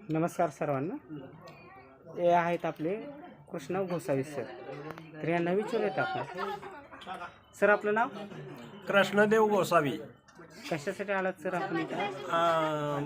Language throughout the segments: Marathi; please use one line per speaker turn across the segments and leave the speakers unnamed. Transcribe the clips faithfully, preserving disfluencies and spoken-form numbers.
नमस्कार सर्वांना. हे आहेत आपले कृष्णा गोसावी सर. तर यांना विचारूयात आपण. सर आपलं नाव?
कृष्णदेव गोसावी.
कशासाठी आलात सर आपण इथं?
अं,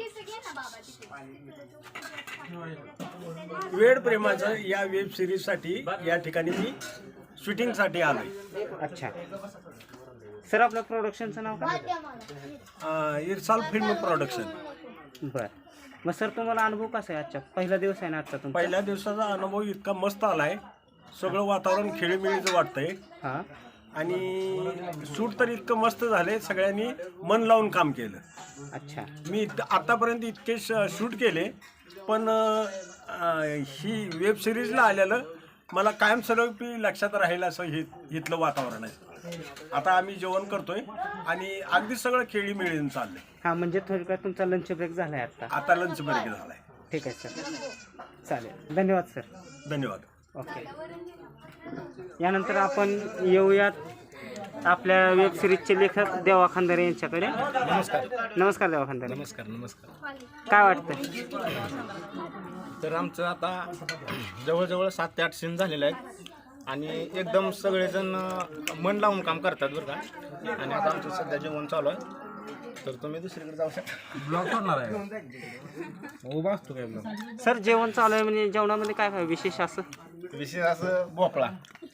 वेड प्रेमाचं या वेब सिरीजसाठी या ठिकाणी मी शूटिंगसाठी आलोय.
अच्छा सर, आपलं प्रोडक्शनचं नाव काय?
अं, इरसाल फिल्म प्रोडक्शन.
बरं. मग सर तुम्हाला अनुभव कसा आहे आजचा? पहिला दिवस आहे ना आजचा तुमचा?
पहिल्या दिवसाचा अनुभव इतका मस्त आलाय. सगळं वातावरण खेळीमेळीचं वाटतंय
हां.
आणि शूट तर इतकं मस्त झालंय. सगळ्यांनी मन लावून काम केलं.
अच्छा.
मी इत आतापर्यंत इतके शूट केले, पण अं, ही वेब सिरीजला आलेलं मला कायमस्वरूपी लक्षात राहील असं हे इथलं वातावरण आहे. आता आम्ही जेवण करतोय आणि अगदी सगळं खेळीमेळीनं चाललंय.
हां, म्हणजे थोडक्यात तुमचा लंच ब्रेक झाला आहे आता?
आता लंच ब्रेक झालाय.
ठीक आहे सर, चालेल. धन्यवाद सर.
धन्यवाद.
ओके. यानंतर आपण येऊयात आपल्या वेब सिरीजचे लेखक देवा खंदारे यांच्याकडे.
नमस्कार.
नमस्कार देवा खंदारे.
नमस्कार नमस्कार
काय वाटतं?
तर आमचं आता जवळजवळ सात ते आठ सीन झालेले आहेत आणि एकदम सगळेजण मन लावून काम करतात बरं का. आणि आता आमचं सध्या जेवण चालू आहे, तर तुम्ही दुसरीकडे जाऊ शकता.
ब्लॉग करणार आहे उभा असतो काय ब्लॉग?
सर जेवण चालू आहे म्हणजे जेवणामध्ये काय काय विशेष असं?
विशेष असं भोपळा,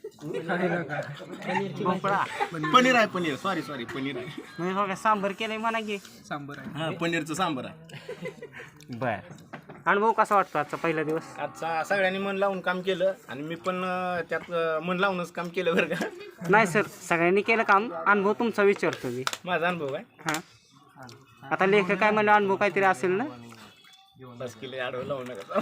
भोपळा,
पनीर आहे. पनीर सॉरी सॉरी पनीर आहे.
म्हणजे बघा सांबर केलंय म्हणा की.
सांबर आहे.
हां, पनीरचं सांबर आहे.
बर. अनुभव कसा वाटतो आजचा पहिला दिवस?
आजचा सगळ्यांनी मन लावून काम केलं आणि मी पण अं, त्यात अं, मन लावूनच काम केलं बरं का.
नाही सर, सगळ्यांनी केलं काम. अनुभव तुमचा विचारतो मी.
माझा अनुभव आहे.
हां, आता लेखक काय म्हणलं, अनुभव काहीतरी असेल ना?
बस केले आडवं लावू नका.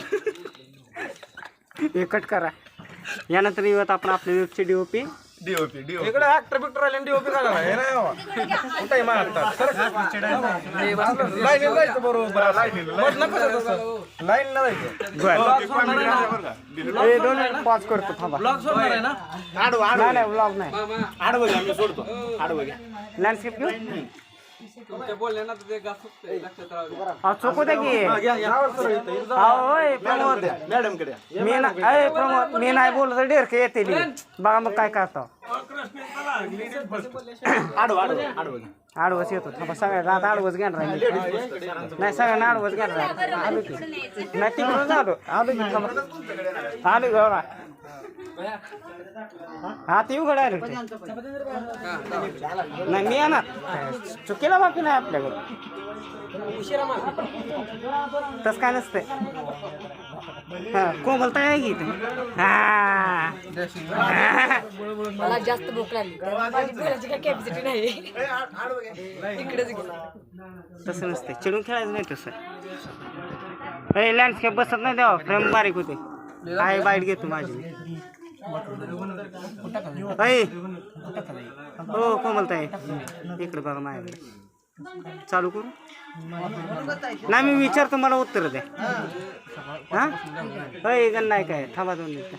एकट करा. यानंतर येऊयात आपण आपल्या वेबचे D O P.
DOP DOP
इकडे ऍक्टर बिक्टर आले डीओपी का हे नाही बाबा. कुठे महाराष्ट्रात लाईन जायचं बरोबर. लाईन नका तसं, लाईन न जायचं.
बरं, हे दोन मिनिट पॉज करतो थांबा.
ब्लॉग सोडणार आहे ना?
आडवं
नाही नाही ब्लॉग नाही.
आडवं घ्या, मी सोडतो. आडवं घ्या.
लँडस्केप घेऊ.
तुमच्या बोलण्याला ते लक्षात राहू.
अहो चोकू द्या की. अहो, होय प्रमोद.
मॅडम कडे
मी ना अय प्रमोद, मी नाही बोललो तर डेरके येते ली. बघा मग काय करतो.
आडवं आडवं आडवं घ्या.
आडवच येतो थांबा. सगळ्यांना आता आडवच घेणार आहे मी. नाही सगळ्यांना आडवच घेणार आहे. आलो की नाही तिकडून आलो. आलो की थांबा. आलो बघा. हा ते उघड आहे. नाही मी येणार. चुकीला बाकी नाही आपल्याकडे. तसं काय नसतंय. हा कोमलता आहे की इथे. हा
मला जास्त भूक लागली, माझी बोलायची काय कॅपॅसिटी नाही. इकडेच गेला.
तसं नसते. चिडून खेळायचं नाही तसं. अरे लँडस्केप बसत नाही तेव्हा, फ्रेम बारीक होते. आहे बाईट घेतो माझी. अय हो कोमलताई, इकडे बघा माझ्याकडे. चालू करू? नाही मी विचारतो, मला उत्तर द्या. हा अय गण नाही काय, थांबा दोन मिनिटं.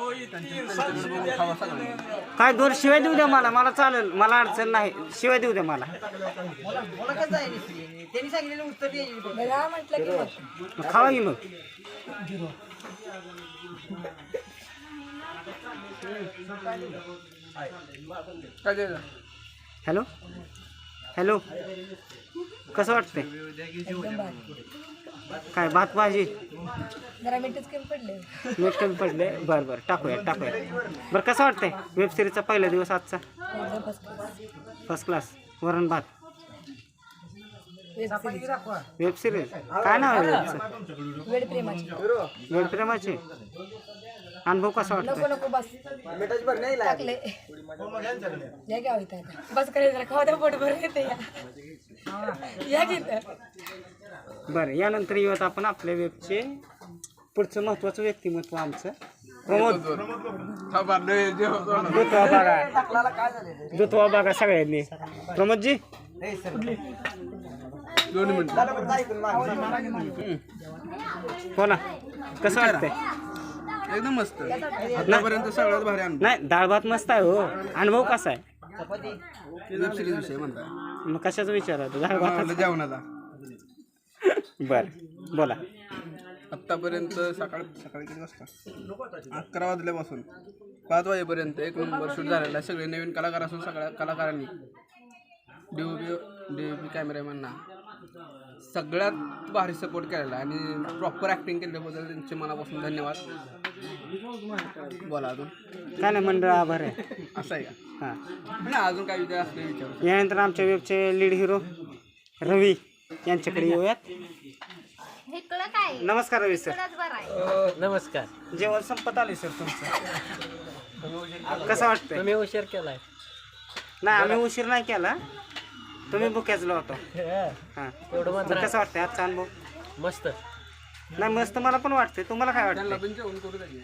काय दोन शिवाय देऊ द्या मला. मला चालेल, मला अडचण नाही. शिवाय देऊ द्या मला.
मला म्हटलं की मग
मग खावा की मग. हॅलो हॅलो, कसं वाटतंय? काय भात भाजी?
जरा मीठच कमी पडले.
मीठ कमी पडले. बरं बरं टाकूया टाकूया. बरं कसं वाटतंय वेब सिरीजचा पहिला दिवस आजचा? First class. वरण भात. वेब सिरीज काय नाव आहे वेबचं?
वेड प्रेमाची.
वेब प्रेमाचे. अनुभव कसा
नको
वाटतोय?
नको बस टाकले. या घ्या इथं आता. बस करायचं खावा द्या, पोट भरून येते. या घेत.
बरं, यानंतर येऊयात आपण आपल्या वेबचे पुढचं महत्त्वाचं व्यक्तिमत्व आमचं प्रमोद. दुतवा बघा, दुतवा बघा सगळ्यांनी. प्रमोदजी
दोन मिनिट.
हो ना, कसं वाटतंय?
एकदम मस्त. आतापर्यंत सगळ्यात भारी अनुभव.
नाही डाळ भात मस्त आहे हो. अनुभव कसा आहे?
वेब सिरीज विषय म्हणता.
मग कशाचा विचार आहे? डाळ भात
जेवणाचा.
बरं बोला.
आत्तापर्यंत सकाळ सकाळी किती वाजता अकरा वाजल्यापासून पाच वाजेपर्यंत एक नंबर शूट झालेला आहे. सगळे नवीन कलाकार असून सगळ्या कलाकारांनी D O P D O P कॅमेरामॅनना सगळ्यात भारी सपोर्ट केलेला आहे आणि प्रॉपर ॲक्टिंग केल्याबद्दल त्यांचे मनापासून धन्यवाद. बोला अजून
काय नाही मंडळ आभार आहे.
असं आहे का?
हां
नाही अजून काय विचार असले विचार.
यानंतर आमच्या वेबचे लीड हिरो रवी यांच्याकडे येऊयात. नमस्कार रवी सर.
नमस्कार.
जेवण संपत आले सर तुमचं. कसं वाटतंय?
तुम्ही उशीर केलाय.
नाही आम्ही उशीर नाही केला, तुम्ही बुक्याचलो होतो. हां
एवढं
बरं,
मात्र
कसं वाटतंय आजचा अनुभव?
मस्त.
नाही मस्त मला पण वाटतंय, तुम्हाला काय वाटतं?
पण जेवण करू द्या.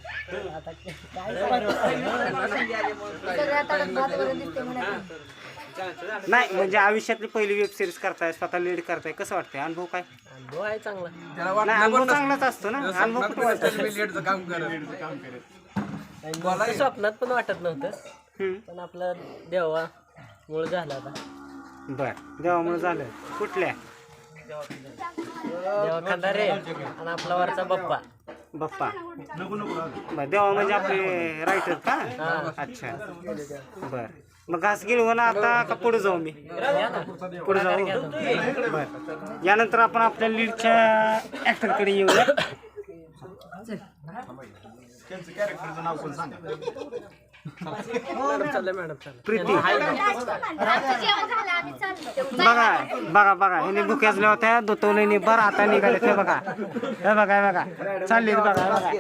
सगळ्यात भात वरण दिसते म्हणा.
नाही म्हणजे आयुष्यातली पहिली वेब सिरीज करताय, स्वतः लीड करताय, कसं वाटतंय? अनुभव काय?
अनुभव आहे चांगला.
त्याला
नाही अनुभव चांगलाच असतो ना. अनुभव कुठं वाटतं?
लेटचं काम करत
स्वप्नात पण वाटत नव्हतं,
हम्म.
पण आपला देवा मूळ झाला आता.
बर देवामुळे झालं. कुठल्या?
देवा खंडारे आणि आपला वरचा बाप्पा.
बाप्पा. बर देवा म्हणजे आपले रायटर का? अच्छा बर. मग घास गिळवून आता का पुढे जाऊ मी? पुढे जाऊ. बर यानंतर आपण आपल्या लीडच्या ऍक्टरकडे येऊया. प्रीती. बघा बघा बघा ह्याने भुक्याचल्या होत्या, दोतवले बरं आता निघाले ते बघा. हे बघा हे बघा चालली बघा बघा.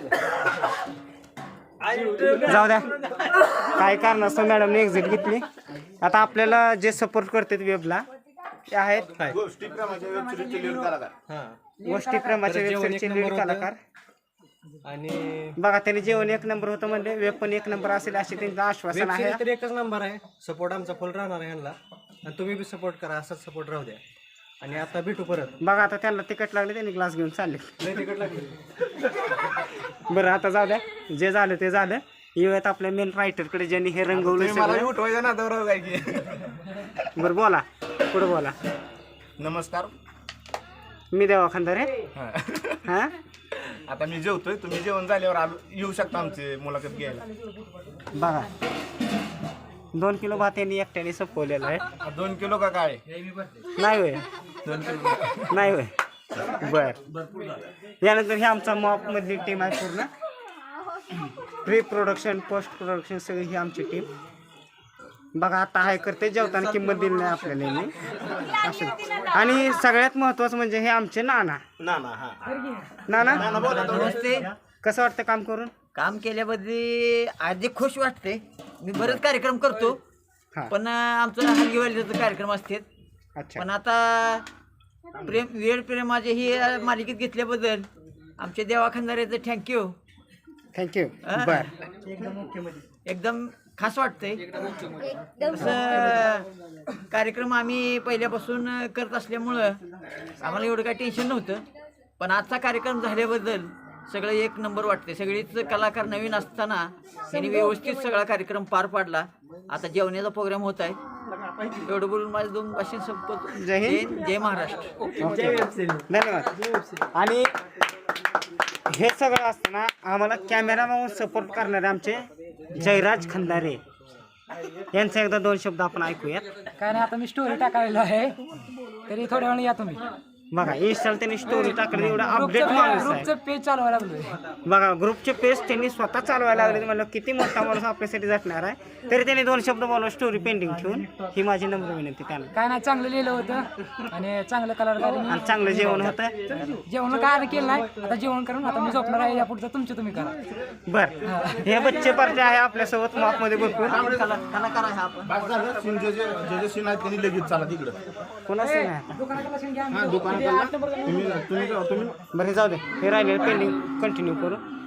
जाऊ द्या काय कारण असतं, मॅडमने एक्झिट घेतली. आता आपल्याला जे सपोर्ट करतात वेबला ते आहेत गोष्टी प्रेमाच्या वेबसाईटचे लीड कलाकार.
आणि
बघा त्याने जेवण एक नंबर होतं म्हणजे वेब पण एक नंबर असेल असे त्यांचं आश्वासन आहे.
तर एकच नंबर आहे. सपोर्ट आमचा फुल राहणार आहे यांना, आणि तुम्ही बी सपोर्ट करा, असाच सपोर्ट राहू द्या. आणि आता भेटू परत.
बघा आता त्यांना तिकट लागले, त्यांनी ग्लास घेऊन चालले.
लय तिकट लागली.
बरं आता जाऊ द्या, जे झालं ते झालं. येऊयात आपल्या मेन रायटरकडे ज्यांनी हे रंगवलं सगळं.
उठवायचं ना तर काय की
बरं बोला पुढे बोला.
नमस्कार.
मी देवा खंदारे. हां
आता मी जेवतोय, तुम्ही जेवण झाल्यावर आलो येऊ शकता आमची मुलाखत घ्यायला.
बघा दोन किलो भात यांनी एकट्याने संपवलेला आहे.
दोन किलो का काय?
नाही होय
दोन किलो
नाही होय. बर यानंतर हे आमचा मॉप मधली टीम आहे पूर्ण. प्री प्रोडक्शन पोस्ट प्रोडक्शन सगळी ही आमची टीम. बघा आता हाय करते, जेवताना किंमत दिली नाही आपल्याला यांनी असं. आणि सगळ्यात महत्वाचं म्हणजे हे आमचे नाना. नाना
नमस्ते.
कसं वाटतं काम करून?
काम केल्याबद्दल आधी खुश वाटते. मी बरेच कार्यक्रम करतो,
हां
पण आमचं हलगीवालीचं कार्यक्रम असतात.
अच्छा
पण आता प्रेम वेळ प्रेमाचे ही मालिकेत घेतल्याबद्दल आमच्या देवा खंदारेचं थँक्यू.
थँक्यू. बर
एकदम खास वाटतंय. तसं कार्यक्रम आम्ही पहिल्यापासून करत असल्यामुळं आम्हाला एवढं काही टेन्शन नव्हतं, पण आजचा कार्यक्रम झाल्याबद्दल सगळं एक नंबर वाटते. सगळीच कलाकार नवीन असताना त्यांनी व्यवस्थित सगळा कार्यक्रम पार पाडला. आता जेवणाचा प्रोग्राम होत आहे. एवढं बोलून माझे दोन भाषण संपत.
जय हिंद.
जय महाराष्ट्र.
धन्यवाद. आणि हे सगळं असताना आम्हाला कॅमेरा म्हणून सपोर्ट करणारे आमचे जयराज खंदारे यांचा एकदा दोन शब्द आपण ऐकूयात.
काय नाही, आता मी स्टोरी टाकायला आहे, तरी थोड्या वेळ या तुम्ही.
बघा इंस्टाला त्यांनी स्टोरी टाकली, एवढा अपडेट माणूस आहे.
ग्रुपचं पेज चालवायला लागलोय.
बघा ग्रुपचे पेज त्यांनी स्वतः चालवायला लागले. म्हणलं किती मोठा माणूस आपल्यासाठी झटणार आहे, तरी त्यांनी दोन शब्द बोलवा स्टोरी पेंडिंग ठेवून. ही माझी नम्र विनंती त्यांना.
काय नाही, चांगलं लिहिलं होतं आणि चांगलं कलाकारांनी
आणि चांगलं जेवण होतं.
जेवण काय आम्ही केलं नाही, आता जेवण करून आता मी झोपणार आहे. या पुढचं तुमचं तुम्ही करा.
बर हे बच्चे पार्टी आहे आपल्यासोबत मॉप मध्ये भरपूर.
कलाकार आहे आपण.
लगेच चला तिकडं.
कोणाचं नाही
दुकानाकडे लसूण घ्या.
दुकानात तुम्ही तुम्ही
बरं हे जाऊ दे, हे राहिले पेंडिंग कंटिन्यू करू.